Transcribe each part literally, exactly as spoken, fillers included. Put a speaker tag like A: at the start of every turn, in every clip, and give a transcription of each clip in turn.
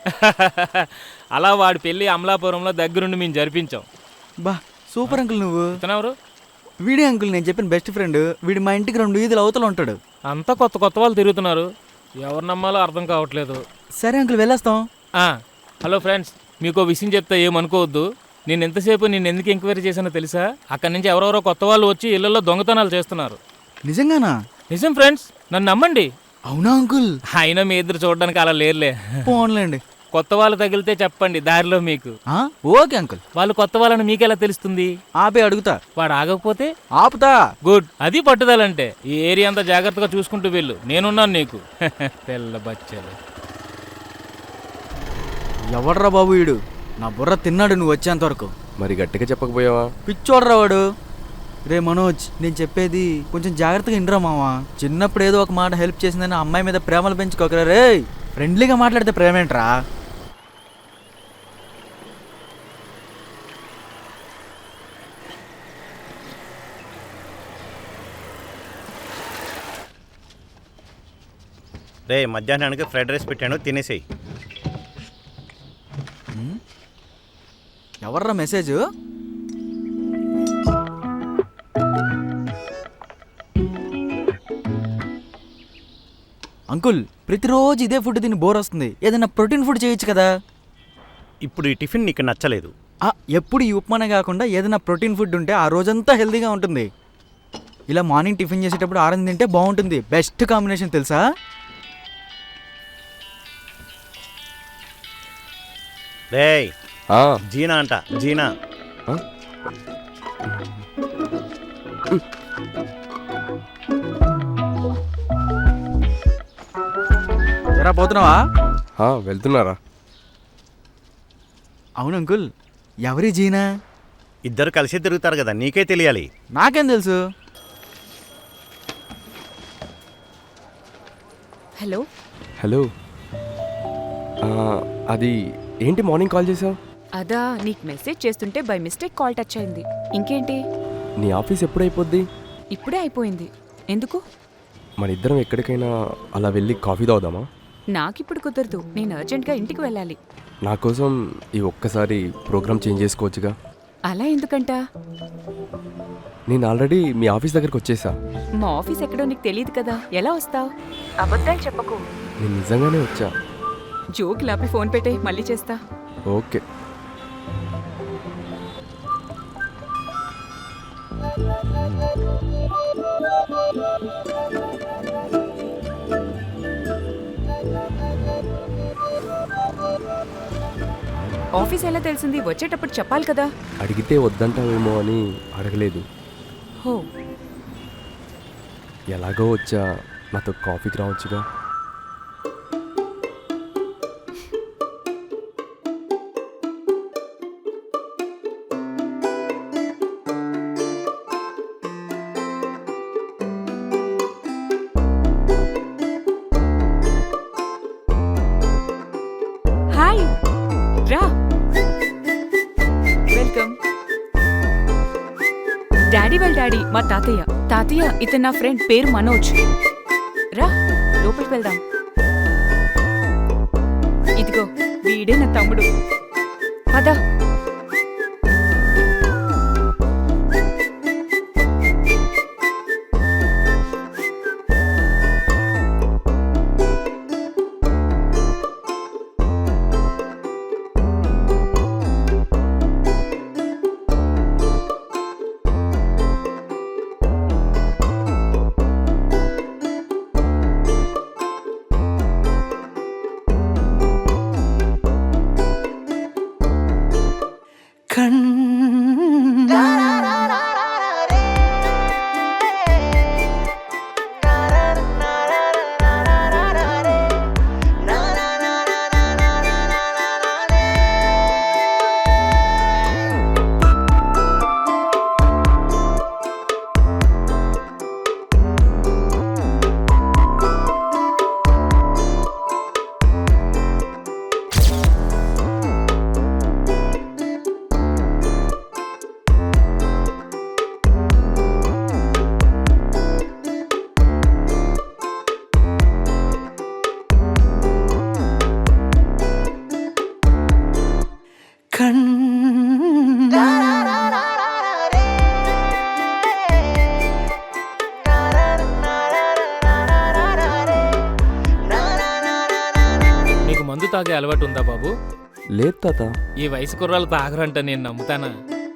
A: అలా వాడి పెళ్ళి అమలాపురంలో దగ్గరుండి మేము జరిపించాం.
B: బా సూపర్ అంకుల్. నువ్వు
A: ఇతనెవరు?
B: వీడే అంకుల్, నేను చెప్పిన బెస్ట్ ఫ్రెండ్. వీడి మా ఇంటికి రెండు వీధులు అవతల ఉంటాడు.
A: అంతా కొత్త కొత్త వాళ్ళు తిరుగుతున్నారు, ఎవరు నమ్మాలో అర్థం కావట్లేదు.
B: సరే అంకుల్, వెళ్ళేస్తాం.
A: హలో ఫ్రెండ్స్, మీకు విషయం చెప్తే ఏమనుకోవద్దు. నేను ఎంతసేపు నేను ఎందుకు ఎంక్వైరీ చేశానో తెలుసా? అక్కడి నుంచి ఎవరెవరో కొత్త వాళ్ళు వచ్చి ఇళ్లలో దొంగతనాలు చేస్తున్నారు.
B: నిజంగానా?
A: నిజం ఫ్రెండ్స్, నన్ను నమ్మండి.
B: అవునా అంకుల్?
A: అయినా మీ ఇద్దరు చూడడానికి అలా లేరులే.
B: పోన్లేండి.
A: కొత్త వాళ్ళు తగిలితే చెప్పండి దారిలో మీకు.
B: Okay uncle.
A: వాళ్ళు కొత్త వాళ్ళని మీకెలా తెలుస్తుంది?
B: ఆపే అడుగుతా.
A: వాడు ఆగకపోతే
B: ఆపుతా.
A: గుడ్, అది పట్టుదలంటే. ఈ ఏరియా అంతా జాగ్రత్తగా చూసుకుంటూ వెళ్ళు, నేనున్నాను నీకు. తెల్ల బచ్చలు.
B: ఎవడ్రా బాబు వీడు? నా బుర్ర తిన్నాడు నువ్వు వచ్చేంత వరకు.
C: మరి గట్టిగా చెప్పకపోయావా?
B: పిచ్చోడ్రా వాడు. రే మనోజ్, నేను చెప్పేది కొంచెం జాగ్రత్తగా ఇండ్రా మావా. చిన్నప్పుడు ఏదో ఒక మాట హెల్ప్ చేసిందని అమ్మాయి మీద ప్రేమలు పెంచుకోకరా రే. ఫ్రెండ్లీగా మాట్లాడితే ప్రేమేంట్రా?
D: రే మధ్యాహ్నానికి ఫ్రైడ్ రైస్ పెట్టాను, తినేసేయి.
B: ఎవర్రా మెసేజ్? అంకుల్, ప్రతిరోజు ఇదే ఫుడ్ తిని బోర్ వస్తుంది. ఏదైనా ప్రోటీన్ ఫుడ్ చేయొచ్చు కదా.
D: ఇప్పుడు ఈ టిఫిన్ నీకు నచ్చలేదు.
B: ఎప్పుడు ఈ ఉప్మానే కాకుండా ఏదైనా ప్రోటీన్ ఫుడ్ ఉంటే ఆ రోజంతా హెల్తీగా ఉంటుంది. ఇలా మార్నింగ్ టిఫిన్ చేసేటప్పుడు ఆరెంజ్ తింటే బాగుంటుంది. బెస్ట్ కాంబినేషన్ తెలుసా?
D: రే జీనా అంట, జీనా.
B: ఎరా పోతున్నావా?
C: వెళ్తున్నారా?
B: అవును అంకుల్. ఎవరి జీనా?
D: ఇద్దరు కలిసి తిరుగుతారు కదా, నీకే తెలియాలి.
B: నాకేం తెలుసు?
E: హలో
C: హలో, అది ఏంటి మార్నింగ్ కాల్ చేసావు?
E: అదా, నీకు మెసేజ్ చేస్తుంటే బై మిస్టేక్ కాల్ టచ్ అయింది. ఇంకేంటి?
C: నీ ఆఫీస్ ఎప్పుడైపోద్ది?
E: ఇప్పుడే అయిపోయింది. ఎందుకు?
C: మన ఇద్దరం ఎక్కడికైనా అలా వెళ్ళి కాఫీ తాగుదామా?
E: నాకిప్పుడు కుదరదు, నేను అర్జెంట్గా ఇంటికి వెళ్ళాలి.
C: నా కోసం ఈ ఒక్కసారి ప్రోగ్రామ్ చేంజ్ చేసుకోవచ్చుగా?
E: అలా ఎందుకంట?
C: నేను ఆల్రెడీ మీ ఆఫీస్ దగ్గరకు వచ్చేసా.
E: మా ఆఫీస్ ఎక్కడో నీకు తెలియదు కదా, ఎలా వస్తావు? అబద్ధాలు చెప్పకు.
C: నేను నిజంగానే వచ్చా.
E: జోక్ లాపి ఫోన్ పెట్టే, మళ్ళీ చేస్తా.
C: ఓకే.
E: ఆఫీస్ ఎలా తెలిసింది? వచ్చేటప్పుడు చెప్పాలి కదా.
C: అడిగితే వద్దంటావేమో అని అడగలేదు.
E: హో,
C: ఎలాగో వచ్చా, నాతో కాఫీకి రావచ్చుగా?
E: హాయ్, రా. వెల్కమ్. డాడీ వాళ్ళ డాడీ మా తాతయ్య. తాతయ్య, ఇతను నా ఫ్రెండ్, పేరు మనోజ్. రా, లోపలికి వెళ్దాం. ఇదిగో, వీడే నా తమ్ముడు. పద.
A: నీకు మందు తాగే అలవాటు ఉందా బాబు?
C: లేదు తాత.
A: ఈ వయసు కుర్రాలు తాగరంట, నేను నమ్ముతానా?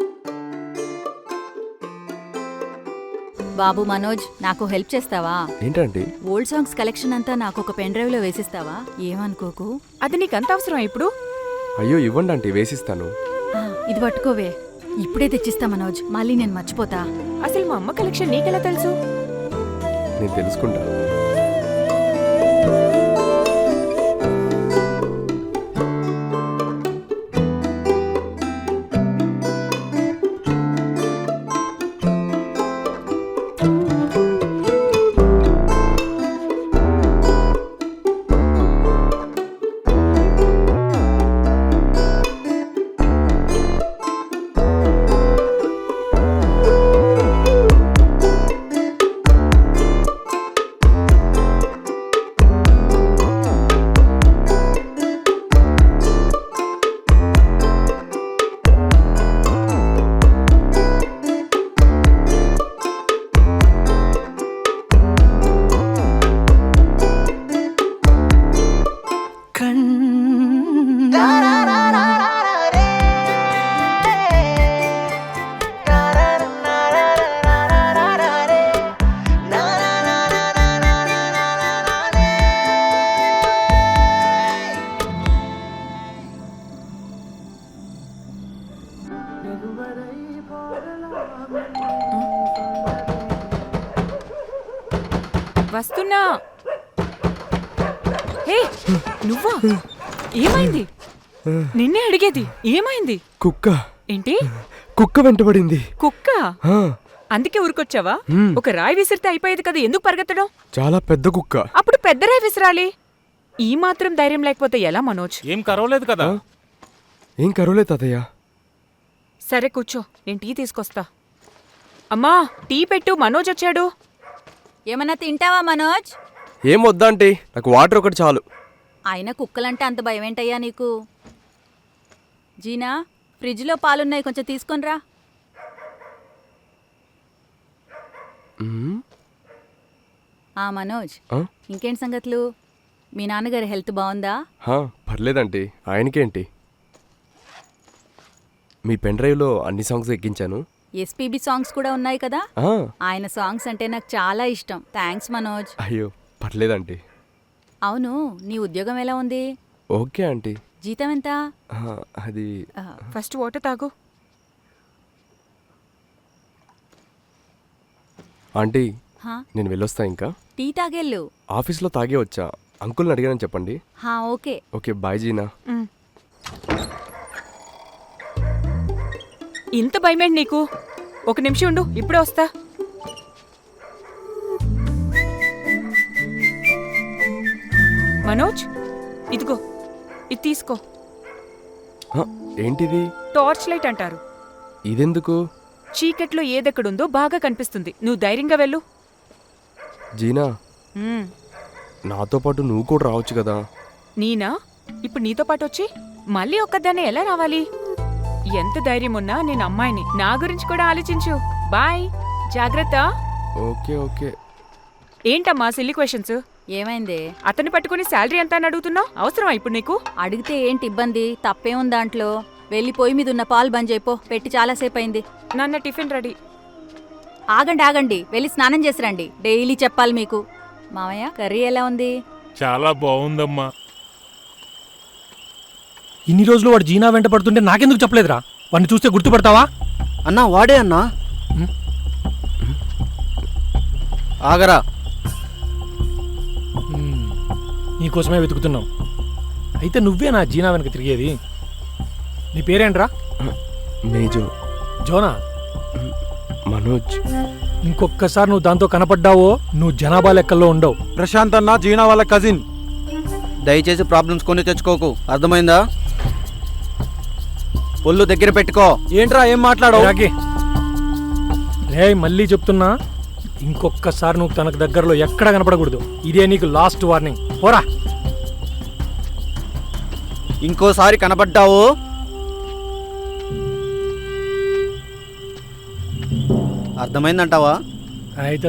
F: బాబు మనోజ్, నాకు హెల్ప్ చేస్తావా?
C: ఏంటండి?
F: ఓల్డ్ సాంగ్స్ కలెక్షన్ అంతా నాకు ఒక పెన్ డ్రైవ్ లో వేసిస్తావా? ఏమనుకోకు.
E: అది నీకంత అవసరం ఇప్పుడు?
C: అయ్యో ఇవ్వండి ఆంటీ, వేసిస్తాను.
F: ఆ, ఇది పట్టుకోవే. ఇప్పుడే తెచ్చిస్తా మనోజ్, మళ్ళీ నేను మర్చిపోతా.
E: అసలు మా అమ్మ కలెక్షన్ నీకెలా తెలుసు?
C: నేను తెలుసుకుంటా.
E: వస్తున్నా. హే, నువ్వా? ఏమైంది? నిన్నే అడిగేది, ఏమైంది?
C: కుక్క.
E: ఏంటి?
C: కుక్క వెంటబడింది.
E: కుక్క?
C: ఆ,
E: అందుకే ఊరుకొచ్చావా?
C: మ్.
E: ఒక రాయి విసిరితే అయిపోయేది కదా, ఎందుకు పరిగెత్తడం?
C: చాలా పెద్ద కుక్క.
E: అప్పుడు పెద్ద రాయి విసిరాలి. ఈ మాత్రం ధైర్యం లేకపోతే ఎలా మనోజ్?
A: ఏం కరవలేదు కదా?
C: ఏం కరోలే తాతయ్య.
E: సరే కూర్చో, నేను టీ తీసుకొస్తా. అమ్మా, టీ పెట్టు, మనోజ్ వచ్చాడు.
F: ఏమన్నా తింటావా మనోజ్?
C: ఏం వద్దాంటీ, నాకు వాటర్ ఒకటి చాలు.
F: ఆయన కుక్కలంటే అంత భయం ఏంటయ్యా నీకు? జీనా, ఫ్రిడ్జ్లో పాలున్నాయి, కొంచెం తీసుకొనిరా.
C: మ్మ్.
F: ఆ మనోజ్,
C: ఆ?
F: ఇంకేంటి సంగతులు? మీ నాన్నగారి హెల్త్ బాగుందా?
C: హా, పర్లేదంటీ. ఆయనకేంటి? మీ పెన్ డ్రైవ్లో అన్ని సాంగ్స్ ఎక్కించాను.
F: ఎస్పీబీ సాంగ్స్ కూడా ఉన్నాయి కదా?
C: ఆ,
F: ఆయన సాంగ్స్ అంటే నాకు చాలా ఇష్టం. థ్యాంక్స్ మనోజ్.
C: అయ్యో పర్లేదంటీ.
F: అవును, నీ ఉద్యోగం ఎలా ఉంది?
C: Okay aunty.
F: జీతం ఎంత?
C: ఆ, అది
F: ఆ,
E: ఫస్ట్ వాటర్ తాగు.
C: ఆంటీ,
F: హా,
C: నేను వెళ్ళొస్తా ఇంకా.
F: టీ తాగెళ్ళు.
C: ఆఫీస్లో తాగే వచ్చా. అంకుల్ని అడిగానని చెప్పండి.
F: హా, ఓకే.
C: ఓకే, బాయ్ జీనా.
E: మ్. ఇంత భయమేంటి నీకు? ఒక నిమిషం ఉండు, ఇప్పుడే వస్తా. మనోజ్, ఇదిగో, ఇది తీసుకో.
C: హ, ఏంటిది?
E: టార్చ్ లైట్ అంటారు.
C: ఇదెందుకు?
E: చీకట్లో ఏదెక్కడుందో బాగా కనిపిస్తుంది. నువ్వు ధైర్యంగా వెళ్ళు.
C: జీనా,
E: మ్.
C: నాతో పాటు నువ్వు కూడా రావచ్చు కదా.
E: నీనా? ఇప్పుడు నీతో పాటు వచ్చి మళ్ళీ ఒక్కదాన్నే ఎలా రావాలి? ఎంత ధైర్యం ఉన్నా నేను అమ్మాయిని. నా గురించి కూడా ఆలోచించు. బాయ్, జాగ్రత్త.
C: Okay okay.
E: ఏంటమ్మా సిల్లీ క్వశ్చన్స్?
F: ఏమైంది?
E: అతన్ని పట్టుకుని శాలరీ ఎంత అని అడుగుతున్నావు? అవసరమా ఇప్పుడు నీకు?
F: అడిగితే ఏంటి ఇబ్బంది? తప్పేముంది దాంట్లో? వెళ్ళి పొయ్యి మీద ఉన్న పాలు బంద్ చేయిపో, పెట్టి చాలాసేపు అయింది.
E: నాన్న టిఫిన్ రెడీ.
F: ఆగండి ఆగండి, వెళ్ళి స్నానం చేసి రండి. డైలీ చెప్పాలి మీకు. మామయ్య, కర్రీ ఎలా ఉంది?
A: చాలా బాగుందమ్మా.
G: ఇన్ని రోజులు వాడు జీనా వెంట పడుతుంటే నాకెందుకు చెప్పలేదురా? వాడిని చూస్తే గుర్తుపడతావా?
B: అన్నా వాడే అన్నా. ఆగరా.
G: మ్మ్. నీకోసమే వెతుకుతున్నాం. అయితే నువ్వే నా జీనా వెనక తిరిగేది. నీ పేరేంట్రా?
C: మేజో.
G: జోనా?
C: మనోజ్.
G: ఇంకొక్కసారి నువ్వు దాంతో కనపడ్డావో నువ్వు జనాభా లెక్కల్లో ఉండవు.
B: ప్రశాంత్ అన్న జీనా వాళ్ళ కజిన్. దయచేసి ప్రాబ్లమ్స్ కొని తెచ్చుకోకు, అర్థమైందా? ఒళ్ళు దగ్గర పెట్టుకో. ఏంట్రా ఏం మాట్లాడవు?
G: రే, మళ్ళీ చెప్తున్నా, ఇంకొక్కసారి నువ్వు తనకు దగ్గరలో ఎక్కడ కనపడకూడదు. ఇదే నీకు లాస్ట్ వార్నింగ్. పోరా.
B: ఇంకోసారి కనబడ్డావు
H: అర్థమైందంటావా?
G: అయితే